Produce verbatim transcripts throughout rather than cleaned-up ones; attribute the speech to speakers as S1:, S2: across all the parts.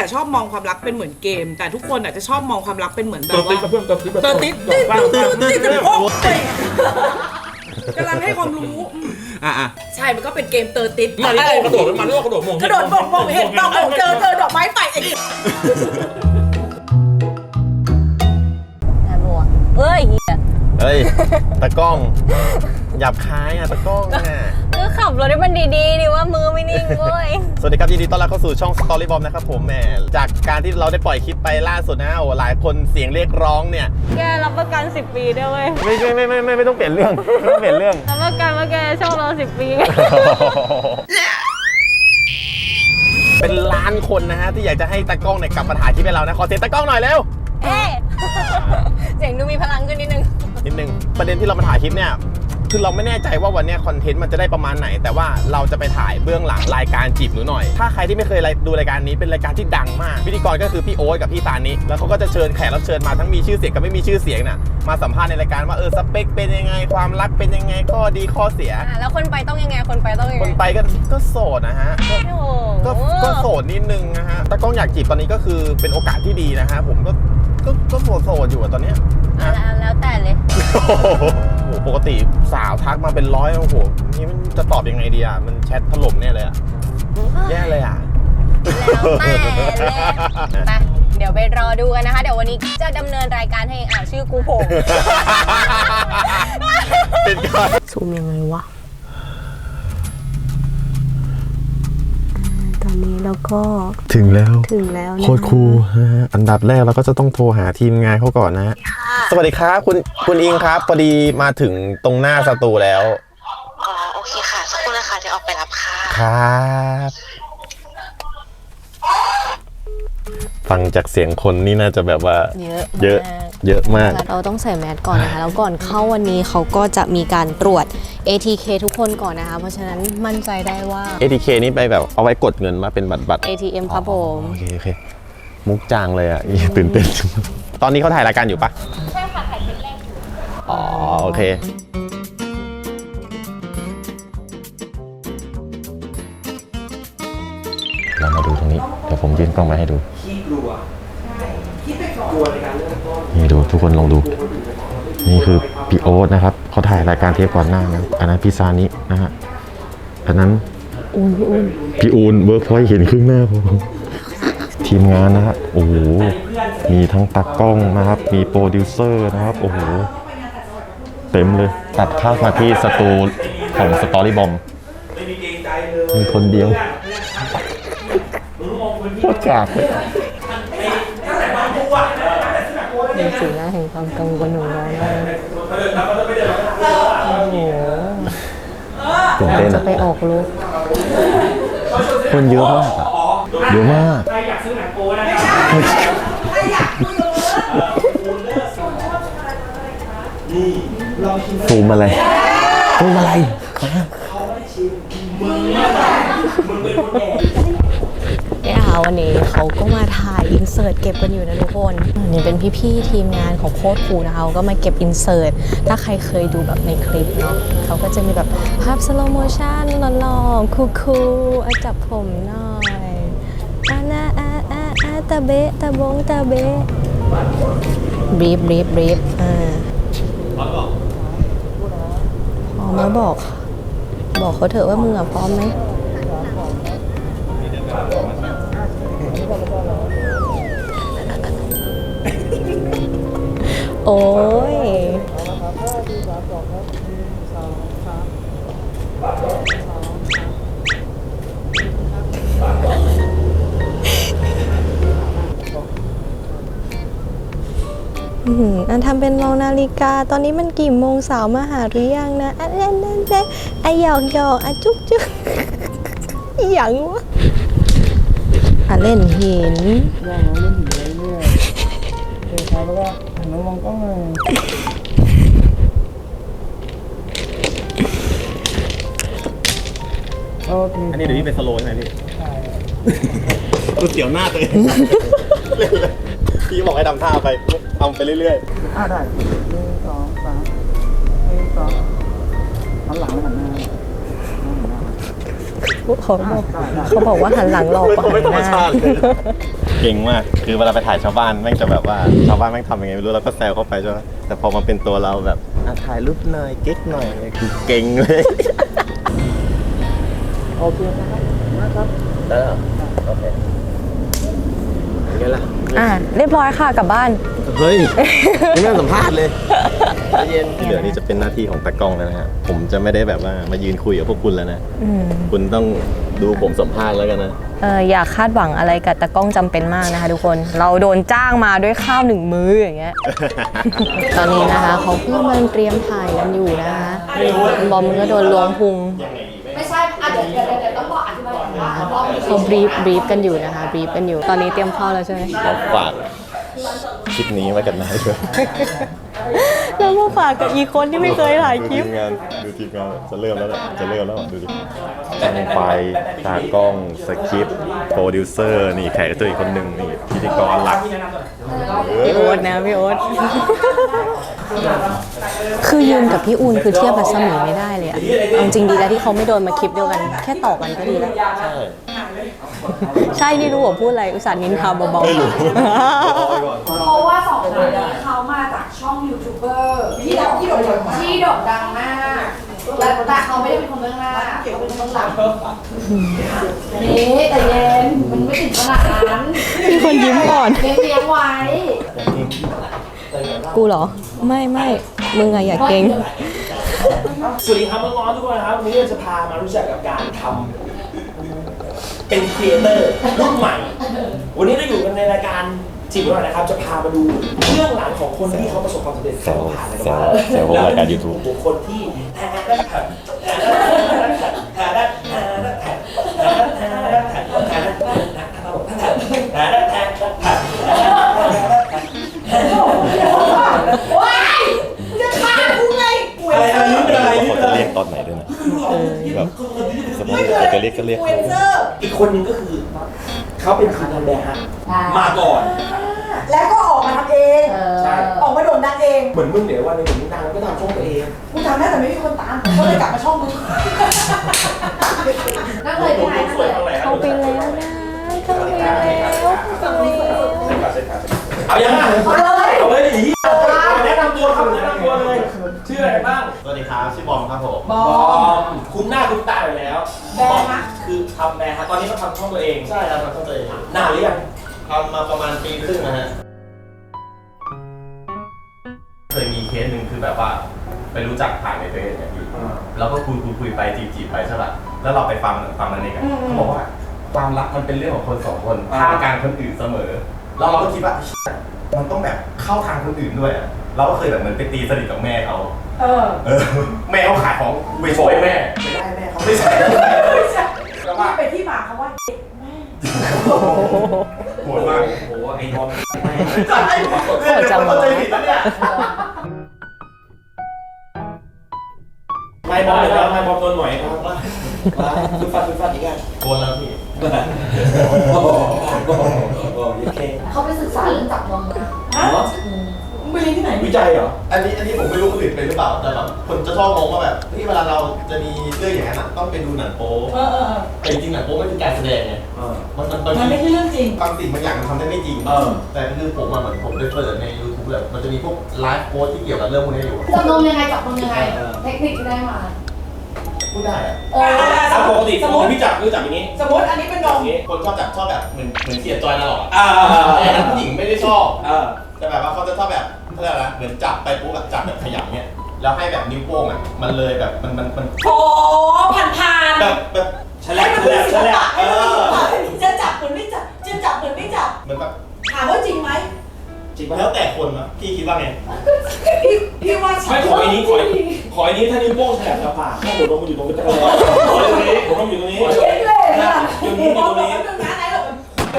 S1: ชอบมองความรักเป็นเหมือนเกมแต่ทุกคนอาจจะชอบมองความรักเป็นเหมือนแบบว่า
S2: เติร์ดติ๊ดเติร์ดติ๊ด
S1: เติร์ดติ๊ดเติร์ดติ๊ดเติร์ดติ๊ดโอ้ยกำลังให้ความรู้
S2: อ่ะอ่ะ
S1: ใช่มันก็เป็นเกมเติร์ดติ๊ด
S2: มาที่กระโดดมันเรียกว่ากระโดดมง
S1: กระโดดมงมงเห็นดอกมงเจอเจอดอกไม้ไฟไอ้นี่
S3: น่าบัวเอ้ยเหี้ย
S4: เฮ้ยตะกล้องหยาบคายอ่ะตะกล้องอ่ะ
S3: ก็ขับรถให้มันดีๆดิว่ามือไม่นิ่งเว้ย
S4: สวัสดีครับยินดีต้อนรับเข้าสู่ช่อง Story Bomb นะครับผมแหมจากการที่เราได้ปล่อยคลิปไปล่าสุดนะโอ้หลายคนเสียงเรียกร้องเนี่ย
S3: แกรับประกันสิบปีด้วยเว้ย
S4: ไม่ไม่ไม่ไม่ไม่ต้องเปลี่ยนเรื่องไม่ต้องเปลี่ยนเรื่อง
S3: รับประกันว่าแกชอบเราสิบปี
S4: เป็นล้านคนนะฮะที่อยากจะให้ตะกล้องเนี่ยกลับมาถ่ายคลิปให้เรานะขอเสียงตะกล้องหน่อยเร็ว
S3: เอ๊ะเสียงดูมีพลังขึ้นนิดนึง
S4: นิดนึงประเด็นที่เรามาถ่ายคลิปเนี่ยคือเราไม่แน่ใจว่าวันนี้คอนเทนต์มันจะได้ประมาณไหนแต่ว่าเราจะไปถ่ายเบื้องหลังรายการจีบหนูหน่อยถ้าใครที่ไม่เคยดูรายการนี้เป็นรายการที่ดังมากพิธีกรก็คือพี่โอ๊ตกับพี่ตานิแล้วเขาก็จะเชิญแขกรับเชิญมาทั้งมีชื่อเสียงกับไม่มีชื่อเสียงน่ะมาสัมภาษณ์ในรายการว่าเออสเปคเป็นยังไงความรักเป็นยังไงข้อดีข้อเสีย
S3: อ่ะแล้วคนไปต้องยังไงคนไปต้องยัง
S4: ค
S3: ไง
S4: นไปก็ก็โสดนะฮะก็
S3: โอ้โห
S4: ก็ก็โสดนิดนึงนะฮะตะกล้องอยากจีบตอนนี้ก็คือเป็นโอกาสที่ดีนะฮะผมก็ก็ก็โสดโสดอยู่อะตอนเนี้ย
S3: อ่ะแล้วแล้วแต่เลย
S4: โอ้โหปกติสาวทักมาเป็นร้อยโอ้โหนี่มันจะตอบยังไงดีอ่ะมันแชทถล่มเนี่ยเลยอ่ะแย่เลยอ่ะ
S3: แล้วแต่เลยไปเดี๋ยวไปรอดูกันนะคะ เดี๋ยววันนี้จะดำเนินรายการให้อ่าชื่อกูโผล่
S4: เป็นการ
S3: ซูมยังไงวะตอนนี้เราก็
S4: ถึงแล้ว
S3: ถึงแล้วนะ
S4: โคตรคูลนะฮะอันดับแรกเราก็จะต้องโทรหาทีมงานเขาก่อนนะฮะสวัสดีครับคุณคุณอิงครับพอดีมาถึงตรงหน้าสตูแล้ว
S5: อ๋อโอเคค่ะสักครู่นะคะเดี๋ยวออกไปรับค่ะ
S4: ครับฟังจากเสียงคนนี่น่าจะแบบว่า
S3: เยอะ
S4: เยอะเยอะมาก
S3: เราต้องใส่แมสก่อนนะคะแล้วก่อนเข้าวันนี้เขาก็จะมีการตรวจ เอ ที เค ทุกคนก่อนนะคะเพราะฉะนั้นมั่นใจได้ว่า
S4: เอ ที เค นี่ไปแบบเอาไว้กดเงินมาเป็นบัตรบัตร
S3: เอ ที เอ็ม ครับผม
S4: โอเคโอเคมุกจางเลยอ่ะตื่นเต้นตอนนี้เขาถ่ายรายการอยู่ปะใช่ค่ะถ่ายคลิปแรกอยู่อ๋อโอเคเรามาดูตรงนี้เดี๋ยวผมยื่นกล้องมาให้ดูนี่ดูทุกคนลองดู นี่คือพี่โอ๊ตนะครับเขาถ่ายรายการเทปก่อนหน้านะอันนั้นพี่ซานินะฮะอันนั้นพี่อูนเวิร์กพอยต์เห็นครึ่งหน้าผมทีมงานนะฮะโอ้โหมีทั้งตากล้องนะครับมีโปรดิวเซอร์นะครับโอ้โหเต็มเลยตัดเข้ามาที่สตูของสตอรี่บอมมีคนเดียวโคตรจากเลย
S3: เป็นสีหน้าแห่งความกังวลของเราเลยโอ้โห
S4: ตื่นเต้น
S3: จะ
S4: อะ
S3: ไปออกลูก
S4: คนเยอะมากอะเยอะมากซูมอะไรซูมอะไร
S3: เนี่ยค่ะวันนี้เขาก็มาถ่ายอินเสิร์ตเก็บกันอยู่นะทุกคนนี่เป็นพี่ๆทีมงานของโค้ดครูนะคะเขาก็มาเก็บอินเสิร์ตถ้าใครเคยดูแบบในคลิปเนาะเขาก็จะมีแบบภาพสโลโมชั่นหล่อๆคูลๆอ่ะจับผมหน่อยอานาอาอาอาตาเบะตาบงตาเบะบรีฟบรีฟบรีฟอ่าพร้อมแล้วบอกบอกเขาเถอะว่ามึงอะพร้อมไหมโอ้ยอันทำเป็นมองนาฬิกาตอนนี้มันกี่โมงสาวมาหาหรือยังนะอันนั้นนั่นนั่นไอหยอกหยอกอ่ะจุ๊บจุ๊บอย่างวะอ่ะเล่นหิน
S4: อันนี้เดี๋ยวพี่เป็นสโลว์ใช่ไหมพี่ใช่กูเสียวหน้าตัวเองพี่บอกให้ทำท่าไปทำไปเรื่อยๆอ่าได้หนึ่งสองสามหนึ่งสองหันหลังหันหน้า
S3: เขาบอกเขาบอกว่าหันหลังหลอกกว่าหันหน้า
S4: เก่งมาก คือเวลาไปถ่ายชาวบ้านแม่งจะแบบว่าชาวบ้านแม่งทำยังไงไม่รู้เราก็แซวเข้าไปใช่ไหมแต่พอมาเป็นตัวเราแบบอ่ะถ่ายรูปหน่อยเก๊กหน่อยคือเก่งเลย
S2: โอเคนะครับมากครับได้แล้วโอเคเป็นไงล่ะ
S3: อ่ะเรียบร้อยค่ะกลับบ้าน
S4: เฮ้ยยังไม่ได้สัมภาษณ์เลยเย็นที่เหลือนี่จะเป็นหน้าที่ของตากล้องแล้วนะฮะผมจะไม่ได้แบบว่ามายืนคุยกับพวกคุณแล้วนะ
S3: อืม
S4: คุณต้องดูผมสัมภาษณ์แล้วกันนะ
S3: เอออย่าคาดหวังอะไรกับตากล้องจำเป็นมากนะคะทุกคน เราโดนจ้างมาด้วยข้าวหนึ่งมื้ออย่างเงี้ย ตอนนี้นะคะเขากำลังเตรียมถ่ายกันอยู่นะคะบอมก็โดนล้วงพุง
S1: ไม่ใช่อ่ะเดี๋ยวเดี๋ยวเดี๋ยวต้องบอกอธิบายก่อนว่ารอบนี้
S3: เขาบรีฟบรีฟกันอยู่นะคะบรีฟกันอยู่ ตอนนี้เตรียมเข้าแล้วใช่ไหม
S4: เราฝากคลิปนี้ไว้กันนะด้วย
S3: แล้วมาฝากกับอีกคนที่ไม่เคยถ่ายคลิป
S4: ดูทีมงานดูทีมงานจะเริ่มแล้วแหละจะเริ่มแล้วอ่ะดูดิตั้งไฟตากล้องสคริปต์โปรดิวเซอร์นี่แขกรับเชิญอีกคนหนึ่งนี่พิธีกรหลัก
S3: พี่โอ๊ตนะพี่โอ๊ต คือยืนกับพี่อูนคือเทียบกับสมีไม่ได้เลยอะเอาจริงดีแล้วที่เขาไม่โดนมาคลิปเดียวกัน แค่ต่อกันก็ดีแล้ว
S4: ใช่
S3: ใช่นี่รู้ว่าพูดอะไรอุตส่าห์นินทาเบา
S4: ไม่รู้
S1: เพราะว่าสองคนนี้เขามาจากช่องยูทูบเบอร์ที่โด่งที่โด่งดังที่โด่งดังมากและแต่เขาไม่ได้เป็นคนเบื้องหน้าเขาเป็นคนหลังนี่แต่เย็นมันไม่ถึงขนาดนั้น
S3: ๆมีคนยิ้มก่อน
S1: เลี้ยงเลี้ยงไว้
S3: กูเหรอ ไม่ไม่มึงอะอย่าเก่ง
S6: สวัสดีครับน้องๆทุกคนครับวันนี้เราจะพามารู้จักกับการทำเป็นครีเอเตอร์รุ่นใหม่ วันนี้เราอยู่กันในรายการจีบหน่อยนะครับจะพามาดูเรื่องหลังของคนที่เขาประสบความสำเร็จเขาผ่านอะไรกันมา
S4: แซวผมรายการ YouTube
S6: บุคคลที่อะไรอะไรนี่เป็นอะไรนี่
S4: เขา
S6: เป็นอะไร
S4: จะเรียกตอนไหนด้วยนะแบบสมมติใครจะเรียกก็เรียก
S6: อีกคนหนึงก็คือเขาเป็นทีมงานแบร์ฮะมาก่อน
S1: แล้วก็ออกมาทำเอง
S6: ใช่
S1: ออกมาโด่งดังเอง
S6: เหมือนมึงเดี๋ยววันหนึงมึงดังก็ทำช่องตัวเอง
S1: กูทำได้แต่ไม่มีคนตามก็เลยกลับมาช่องมึงนั่งเลยพี่ไอ้นั่งเลย
S3: เขาไปแล้วนะเขาไปแล้วเขาไปแล้ว
S6: เอายังไง
S1: เอาเลย
S6: เอาเลยดิแนะนำตัวครับแนะนำตัวเลย ชื่ออะไรกันบ้าง
S4: สวัสดีครับชื่อบอมครับผม
S1: บอบ
S6: อ
S1: ม
S6: มคุ้นหน้าคุ้นตาอยู่แล้ว
S1: แบร์ฮะ
S6: คือทำแบร์ฮะตอนนี้เขาทำช่องตัวเอง
S4: ใช่ครับทำตัวเอง
S6: นานหรือยัง
S4: ทำมาประมาณปีครึ่งนะฮะเคยมีเคสหนึ่งคือแบบว่าไปรู้จักผ่านในเฟซเนี่ยพี่แล้วก็คุยคุยคุยไปจีบจีบไปใช่ป่ะแล้วเราไปฟังฟังมันเองเขาบอกว่าความรักมันเป็นเรื่องของคนสองคนท่ามกลางคนอื่นเสมอแล้วเราก็คิดว่ามันต้องแบบเข้าทางคนอื่นด้วยอะเราก็เคยแบบเหมือนไปตีสนิทกับแม่เขา
S1: เออ
S4: เออแม่เขาขายของไปโชว์ให้แม่ไม่ได้แม่เขาไม่ใช่
S1: นี่เป็นที่มาคำว่า
S4: โหดมาก
S6: โอ้โหไอ้บอม
S4: ใช่เรื่องนี้เข้าใจผิดแล้วเนี่ย
S6: ไม่บอมเลยครับไม่บอมโดนหน่อยครับฟุดฟัดฟุดฟัดอีกแล้ว
S4: โกนแล้วพี่
S6: โอ้โหโอเค
S1: เขาไปศึกษาเรื่องจับนมนะมึงไปเรียนที่ไหน
S6: วิจัยเหรอ
S4: อันนี้อันนี้ผมไม่รู้คนอื่นเป็นหรือเปล่าแต่แบบคนจะชอบมองว่าแบบที่เวลาเราจะมีเรื่องอย่างนั้นอะต้องไปดูหนังโป๊
S1: เออเออ
S4: แต่จริงๆหนังโป๊มันคือการแสดงไง
S6: เออ
S4: มันมันบาง
S1: มันไม่
S4: ที
S1: ใช่เรื่องจริง
S4: บางสิ่งบางอย่างมันทำได้ไม่จริง
S6: เออ
S4: แต่คือผมอะเหมือนผมไปเปิดใน YouTube แบบมันจะมีพวกไลฟ์โค้ดที่เกี่ยวกับเรื่องพวกนี้อยู่
S1: จับนมยังไงจับนมยังไง เทคนิคที่ได้มา
S4: พูดได้อะ
S1: เออ
S6: ถ้าปกติสมมติพี่จับพี่จับอย่างนี้
S1: สมมติอันนี้เป็นนม
S6: อย่างนี้
S4: คนชอบแบบชอบแบบเหมือนเหมือนเสียจอยตลอดอะ
S6: อ่า
S4: แต่นั้นผู้หญิงไม่ได้ชอบ
S6: เออ
S4: แต่แบบว่าเขาจะชอบแบบเขาเรียกอะไรนะเหมือนจับไปปุ๊บแบบจับแบบขยำเนี่ยแล้วให้แบบนิ้วโป้งอ่ะมันเลยแบบมันมันมัน
S1: โอ้ผ่านผ่าน
S4: แบบแบบ
S6: ฉลับฉลับฉลับ
S4: เออ
S1: จะจับเหมือนไม่จับ จะจับเหมือนไม่จับ
S4: เหมือนแบบ
S1: ถามว่าจริงไหม
S6: จริงป่ะ
S4: แล้วแต่คนนะพี่คิดว่าไง
S1: พี่พี่ว่า
S6: ไม่ขออันนี้ขอขออันนี้ถ้านิ้วโป้งฉลับจะผ่าข้อหัวลงมาอยู่ตรงนี้ตรงนี้ผมต้องอยู่ตรงนี้
S1: คิดเลยนะ
S6: อยู่นี้อยู่ตรงนี้
S1: นึงนะไหนหรอก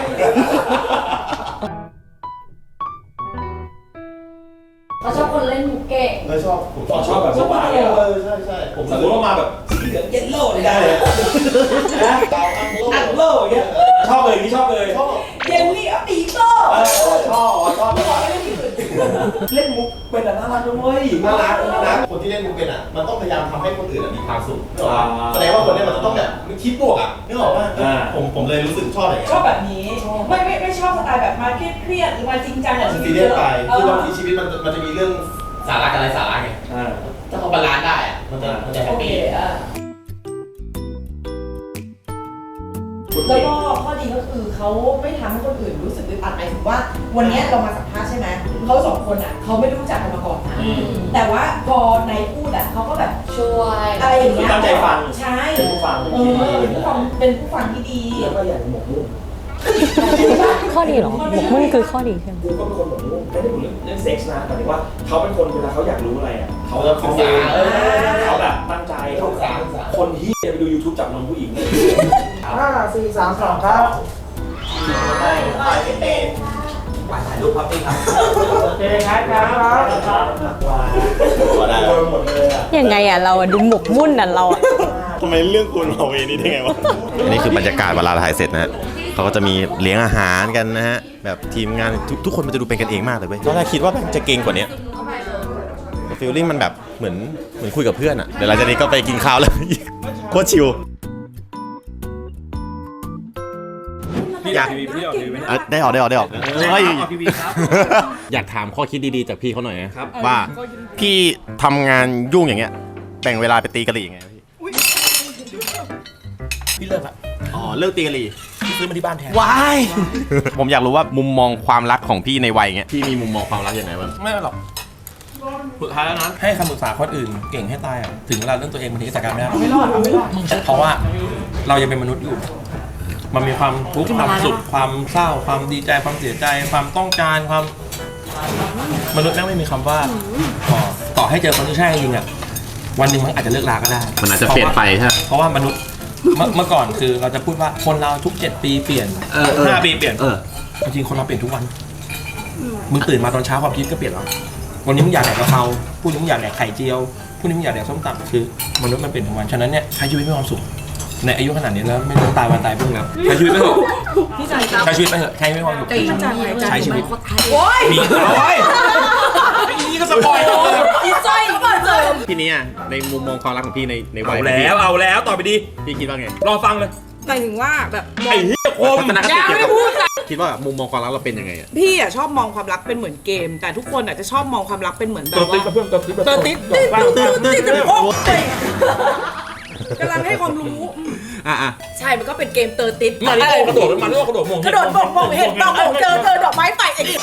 S1: เราชอบคนเล่นมุกเก่ง
S4: เออชอบผม
S6: ชอบแบบ
S4: ชอบ
S6: บ้าๆ
S4: เอ
S6: เนี่ย
S4: อใช่ใช่ผม
S6: สมมติว่ามาแบบสีเหลืองเยลโล่เลยได้เลยนะ
S4: ดาวอังโล
S6: อันโล่อย่างเงี้ยชอบเลยนี่ชอบเลย
S4: ชอบ
S1: เยลลี่อะปีโป้
S6: เออชอบชอบ
S1: ไม่บอกไม่ได้ที่อื่น
S6: เล่นมุกเป็นแต่น่ารักด้วย
S7: น่ารักน่ารักคนที่เล่นมุกเป็นอ่ะมันต้องพยายามทำให้คนอื่นมีความสุขแสดงว่าคนนี้มันจะต้องแบบคิดบวกอ่ะนึกออกว่าผมผมเลยรู้สึกชอบอะไร
S1: ชอบแบบนี้ไม่ไม่ไม่ชอบสไตล์แบบมาเครียดหรือมาจริงจังอย่าง
S7: ซีเรียสไปคือบางทีชีวิตมันมันจะมีเรื่องสาระกับอะไรสาระไงถ้าเขาบาลานซ์ได้อ่ะมันจะมันจะแฮปปี้
S1: แล้วก็ข้อดีก็คือเขาไม่ทำให้คนอื่นรู้สึกอึดอัดหมายถึงว่าวันนี้เรามาสัมภาษณ์ใช่ไหมเขาสองคนอ่ะเขาไม่รู้จักกันมาก่อนนะแต่ว่าพอในพูดอ่ะเขาก็แบบช่วยอะไรอย่างเงี้ย
S6: ตั้งใจฟัง
S1: ใช่
S6: เป็นผู้ฟัง
S1: เออเป็นผู้ฟังเป็นผู้ฟังที่ดี
S6: แล้วก็อย่างหมกมุ่น
S3: ข้อดีเหรอหมกมุ่นคือข้อดีใช่ไหม
S6: กูก็เป็นคนหมกมุ่นไม่ได้พูดเรื่องเรื่องเซ็กส์นะหมายถึงว่าเขาเป็นคนเวลาเขาอยากรู้อะไรอ่ะเขาจะศึกษาเขาแบบตั้งใจเขาคนที่ไปดู YouTube จับนมผู้หญิงห้าสี่สามสองครับได้ถ่ายเป็นเองถ่ายรูปพับพี่ครับโอเคครับครับว้าวได้หมดเลยอ่ะ
S3: ยังไงอ่ะเราอะดูหมกมุ่นอ่ะเราอ่ะ
S7: ทำไมเรื่องคุณเอาเวนี้ได้ไงวะอันนี้คือบรรยากาศเวลาถ่ายเสร็จนะฮะเขาก็จะมีเลี้ยงอาหารกันนะฮะแบบทีมงานทุกทุกคนมันจะดูเป็นกันเองมากเลยเว้ยตอนแรกคิดว่ามันจะเก่งกว่านี้ฟีลลิ่งมันแบบเหมือนเหมือนคุยกับเพื่อนอ่ะเดี๋ยวหลังจากนี้ก็ไปกินข้าวแล้ว โคตรชิลอยากได้ออกได้ออกได้ออกเฮ้ยอยากถามข้อคิดดีๆจากพี่เขาหน่อยนะว่าพี่ทำงานยุ่งอย่างเงี้ยแบ่งเวลาไปตีกะหรี่ยังไงพี่
S6: พี่เลิกละ
S7: อ๋อเลิกตีกะหรี่
S6: พี่ซื้อมาที่บ้านแทน
S7: ว้าย ผมอยากรู้ว่ามุมมองความรักของพี่ในวัยเงี้ยพี่มีมุมมองความรักยังไงบ้าง
S6: ไม่หรอกสุดท้ายแล้วนะให้คำปรึกษาคนอื่นเก่งให้ตายอ่ะถึงเวลาเรื่องตัวเองบางทีจัดการไม่ได้ไม่รอดไม่รอดเพราะว่าเรายังเป็นมนุษย์อยู่มันมีความทุกข์ความสุขความเศร้าความดีใจความเสียใจความต้องการความมนุษย์แม่งไม่มีคำว่าพอต่อให้เจอคนที่ใช่จริงอ่ะวันหนึ่งมันอาจจะเลิกลาก็ได้
S7: มันอาจจะเปลี่ยนไปใช่ไหม
S6: เพราะว่ามนุษย์เมื่อเมื่อก่อนคือเราจะพูดว่าคนเราทุกเจ็ดปีเปลี่ยนห้าปีเปลี่ยนจริงๆคนเราเปลี่ยนทุกวันมึงตื่นมาตอนเช้าความคิดก็เปลี่ยนแล้ววันนี้มึงอยากแดกกะเพราพรุ่งนี้มึงอยากแดกไข่เจียวพรุ่งนี้มึงอยากแดกส้มตำคือมนุษย์มันเปลี่ยนทุกวันฉะนั้นเนี่ยใช้ชีวิตมีความสุขในอายุขนาดนี้แล้วไม่ต้องตายวันตายพรุ่งแล้วใช้ชีวิตไปเถอะใช้ชีวิตไปเถอะใช้ไม่ความสุขใช้ชีวิตโอ้ยมีโอ้ยนี่ก็สปอยล์เลย
S1: อีจ้อยก็เปิดเจอ
S7: พี่นี้อ่ะในมุมมองความรักของพี่ในในวั
S6: เอา
S7: ย
S6: แล้วเอาแล้วต่อไปดี
S7: พี่คิดว่าไง
S6: รอฟังเลย
S8: หมายถึงว่าแบบ
S6: ไอ้เหี้ยโคม
S7: ทัศนคติ
S8: ยัง
S7: เกี่ยว
S8: ไม่
S7: กับ
S8: พูดค่ะ
S7: คิดว่ามุมมองความรักเราเป็นยังไงอ่ะ
S8: พี่อ่ะชอบมองความรักเป็นเหมือนเกม แต่ทุกคนอ่ะจะชอบมองความรักเป็นเหมือนแบ
S6: ตัว
S8: บ
S6: ติ๊
S8: ว่า
S6: กกับเพื่อนตัวติ๊ก
S8: เตอร์ติดติดติดติดติดโอ้ยกำลังให้ความรู้
S7: อ่ะอ่ะ
S8: ใช่มันก็เป็นเกมเตอร์ติด
S6: มันนี่กระโดดมันนี่กระโดดมง
S8: กระโดดบกบกเห็นบกบกเจอเจอดอกไม้ไฟไอ้ดิ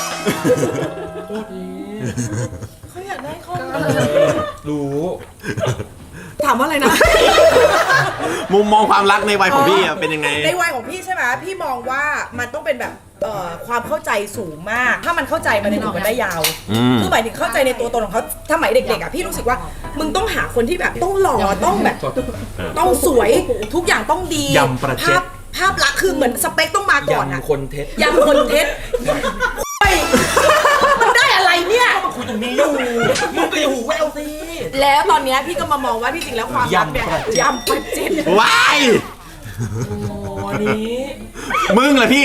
S8: เขาอยากได้ข้อมูล
S6: รู้
S8: ถามว่าอะไรนะ
S7: มุมมองความรักในวัยของพี่อ่ะเป็นยังไง
S8: ในวัยของพี่ใช่ไหมพี่มองว่ามันต้องเป็นแบบเอ่อความเข้าใจสูงมาก ถ้ามันเข้าใจมันจะอยู่กันได้ยาว
S7: อืม
S8: คือหมายถึงเข้าใจในตัวตนของเขาถ้าหมายเด็กๆอ่ะพี่รู้สึกว่ามึงต้องหาคนที่แบบต้องหล่อต้องแบบต้องสวยทุกอย่างต้องดี
S6: ยำประเจ็ด
S8: ภาพภาพลักษณ์คือเหมือนสเปคต้องมาก่อนอ่ะ
S6: ยำคนเท็จ
S8: ยำคนเท็จเฮ้ยมันได้อะไรเนี่ย
S6: คุยตรงนี้อยู่มึงก็อย่าหูแววสิ
S8: แล้วตอนเนี้ยพี่ก็มามองว่าที่จริงแล้วความรักเนี่ยยำประเจ็ด
S7: ว้าย
S6: โอ้นี้
S7: มึงเหรอพี่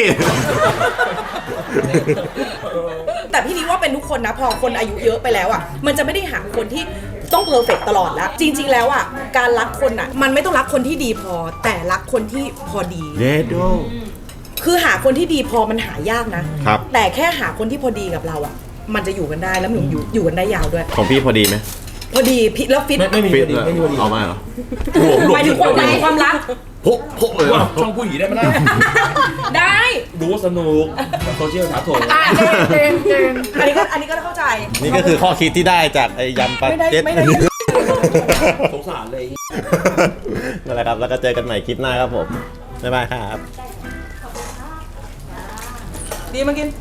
S8: แต่พี่นี้ว่าเป็นทุกคนนะพอคนอายุเยอะไปแล้วอ่ะมันจะไม่ได้หาคนที่ต้องเพอร์เฟกต์ตลอดแล้วจริงๆแล้วอ่ะการรักคนอ่ะมันไม่ต้องรักคนที่ดีพอแต่รักคนที่พอดี
S7: เดโด
S8: คือหาคนที่ดีพอมันหายากนะครับ แต่แค่หาคนที่พอดีกับเราอ่ะมันจะอยู่กันได้แล้วมันอยู่อยู่กันได้ยาวด้วย
S7: ของพี่พอดีไหม
S8: พอดีพี่แล้วฟิต
S6: ไม่ไม่มี
S7: ฟิ
S6: พ
S7: ต
S6: อดีไม่มีพอดี
S7: เอามาเหรอ
S8: หมายถึงความรักความรัก
S7: พกพกเลย
S6: ว่าช่องผู้หญิงได้ไหมล่ะ
S8: ได้
S6: ดูสนุกโซเชียลถาโถ
S8: อ่ะเจนเจนอันนี้ก็อันนี้ก็เข้าใจ
S7: นี่ก็คือข้อคิดที่ได้จากไอ้ยำปลา
S8: ไม่ได้
S7: เจ็ด
S8: ไม่ได้
S6: สงสารเลย
S7: นั่นแหละครับแล้วก็เจอกันใหม่คลิปหน้าครับผมบ๊ายบายครับ
S8: ดีมากิน